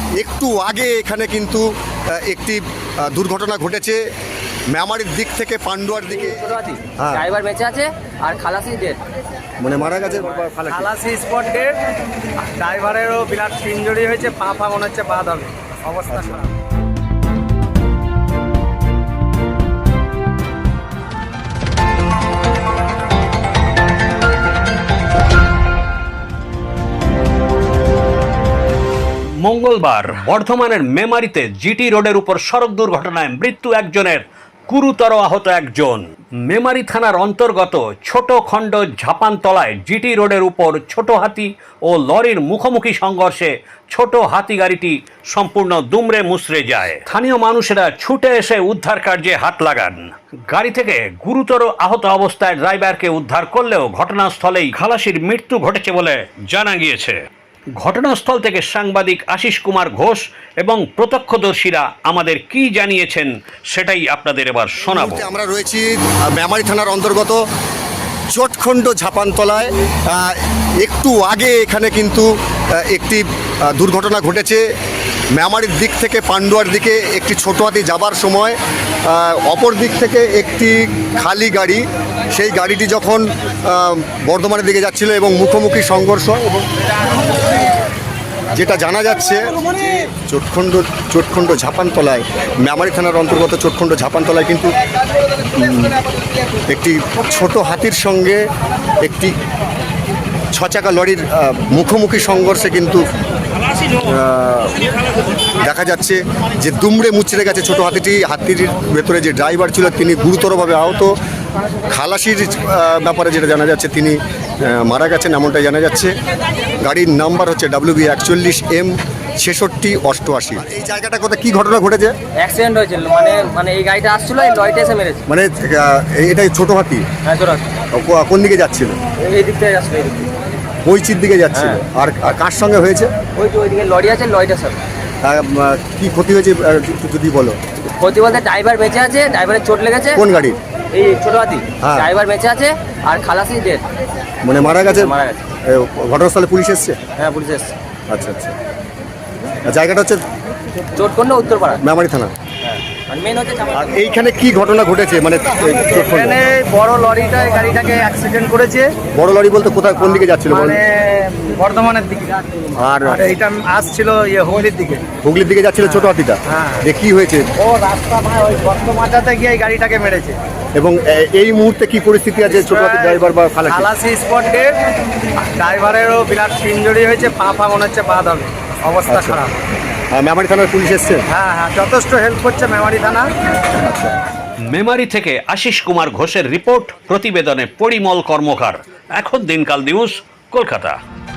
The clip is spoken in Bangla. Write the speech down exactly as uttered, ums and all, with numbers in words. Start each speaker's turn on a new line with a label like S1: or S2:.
S1: একটু আগে এখানে কিন্তু একটি দুর্ঘটনা ঘটেছে মেমারির দিক থেকে পান্ডুয়ার দিকে।
S2: হ্যাঁ, ড্রাইভার বেঁচে আছে আর খালাসি ডেড,
S1: মানে মারা গেছে।
S3: খালাসি স্পট ডেড, ড্রাইভারেরও বিরাট ইনজুরি হয়েছে, পা পা মনে হচ্ছে বাদ হবে, অবস্থা খারাপ।
S4: মঙ্গলবার বর্ধমানের মেমারিতে জিটি রোডের উপর সড়ক দুর্ঘটনায় মৃত্যু একজনের, গুরুতর আহত একজন। মেমারি থানার অন্তর্গত ছোট খণ্ড ঝাপানতলায় জিটি রোডের উপর ছোট হাতি ও লরির মুখোমুখি সংঘর্ষে ছোট হাতি গাড়িটি সম্পূর্ণ দুমড়ে মুচড়ে যায়। স্থানীয় মানুষেরা ছুটে এসে উদ্ধার কার্যে হাত লাগান। গাড়ি থেকে গুরুতর আহত অবস্থায় ড্রাইভারকে উদ্ধার করলেও ঘটনাস্থলেই খালাসির মৃত্যু ঘটেছে বলে জানা গিয়েছে। ঘটনাস্থল থেকে সাংবাদিক আশিস কুমার ঘোষ এবং প্রত্যক্ষদর্শীরা আমাদের কি জানিয়েছেন সেটাই আপনাদের এবার শোনাবো।
S1: আমরা রয়েছি মেমারি থানার অন্তর্গত চটখণ্ড ঝাপানতলায়। একটু আগে এখানে কিন্তু একটি দুর্ঘটনা ঘটেছে মেমারির দিক থেকে পান্ডুয়ার দিকে একটি ছোট হাতি যাবার সময় অপর দিক থেকে একটি খালি গাড়ি, সেই গাড়িটি যখন বর্ধমানের দিকে যাচ্ছিল এবং মুখোমুখি সংঘর্ষ, এবং যেটা জানা যাচ্ছে চটখণ্ড চটখণ্ড ঝাপানতলায় মেমারি থানার অন্তর্গত চটখণ্ড ঝাপানতলায় কিন্তু একটি ছোট হাতির সঙ্গে একটি ছচাকা লরির মুখোমুখি সংঘর্ষে কিন্তু দেখা যাচ্ছে যে দুমড়ে মুচড়ে গেছে ছোট হাতিটি। হাতির ভেতরে যে ড্রাইভার ছিল তিনি গুরুতরভাবে আহত। খালাসির ব্যাপারে যেটা জানা যাচ্ছে তিনি মারা গেছেন এমনটাই জানা যাচ্ছে। গাড়ির নাম্বার হচ্ছে ডাব্লিউ বি একচল্লিশ এম ছেষট্টি অষ্টআশি। এই জায়গাটা কোথায় কি ঘটনা ঘটেছে?
S2: অ্যাক্সিডেন্ট হয়েছিল, মানে মানে এই গাড়িটা আসছিল, এই লরিটা এসে মেরেছে।
S1: মানে এটাই ছোট হাতি?
S2: হ্যাঁ, ছোট হাতি।
S1: কোন দিকে যাচ্ছিল?
S2: এই দিক থেকে আসছিল, এই দিক থেকে
S1: বইচির দিকে যাচ্ছিল। আর কার সঙ্গে হয়েছে?
S2: ওই যে ওইদিকে লরি আছে, লরিটার সাথে।
S1: কি ক্ষতি হয়েছে যদি বলো?
S2: ক্ষতি বলতে ড্রাইভার বেঁচে আছে, ড্রাইভারের চোট লেগেছে।
S1: কোন গাড়ির?
S2: এই ছোট হাতি। ড্রাইভার বেঁচে আছে আর খালাসি ডেড,
S1: মানে মারা গেছে।
S2: মারা গেছে।
S1: ঘটনাস্থলে পুলিশ এসছে?
S2: হ্যাঁ, পুলিশ এসছে।
S1: আচ্ছা আচ্ছা। জায়গাটা হচ্ছে
S2: চটখণ্ড উত্তরপাড়া,
S1: মেমারি থানা।
S2: মেন হচ্ছে।
S1: আর এইখানে কি ঘটনা ঘটেছে? মানে
S3: এখানে বড় লরিটা গাড়িটাকে অ্যাক্সিডেন্ট করেছে।
S1: বড় লরি বলতে কোথায়, কোন দিকে যাচ্ছিল?
S3: মানে বর্ধমানের দিকে।
S1: আর
S3: এইটা আসছিল ইয়ে হুগলির দিকে।
S1: হুগলির দিকে যাচ্ছিল ছোট হাতিটা।
S3: হ্যাঁ।
S1: যে কি হয়েছে?
S3: ও রাস্তা ওই গর্ত মাথাতে গিয়ে এই গাড়িটাকে মেরেছে।
S1: এবং এই মুহূর্তে কি পরিস্থিতি আছে ছোট হাতি ড্রাইভার বা খালাসি?
S3: খালাসি স্পট ডেড, ড্রাইভারেরও বিরাট ইনজুরি হয়েছে, পা পা মনে হচ্ছে বাদ হবে, অবস্থা খারাপ।
S1: মেমারি থানার পুলিশ এসছে?
S3: হ্যাঁ হ্যাঁ, যথেষ্ট হেল্প করছে মেমারি থানা।
S4: মেমারি থেকে আশিস কুমার ঘোষের রিপোর্ট, প্রতিবেদনে পরিমল কর্মকার, এখন দিনকাল নিউজ, কলকাতা।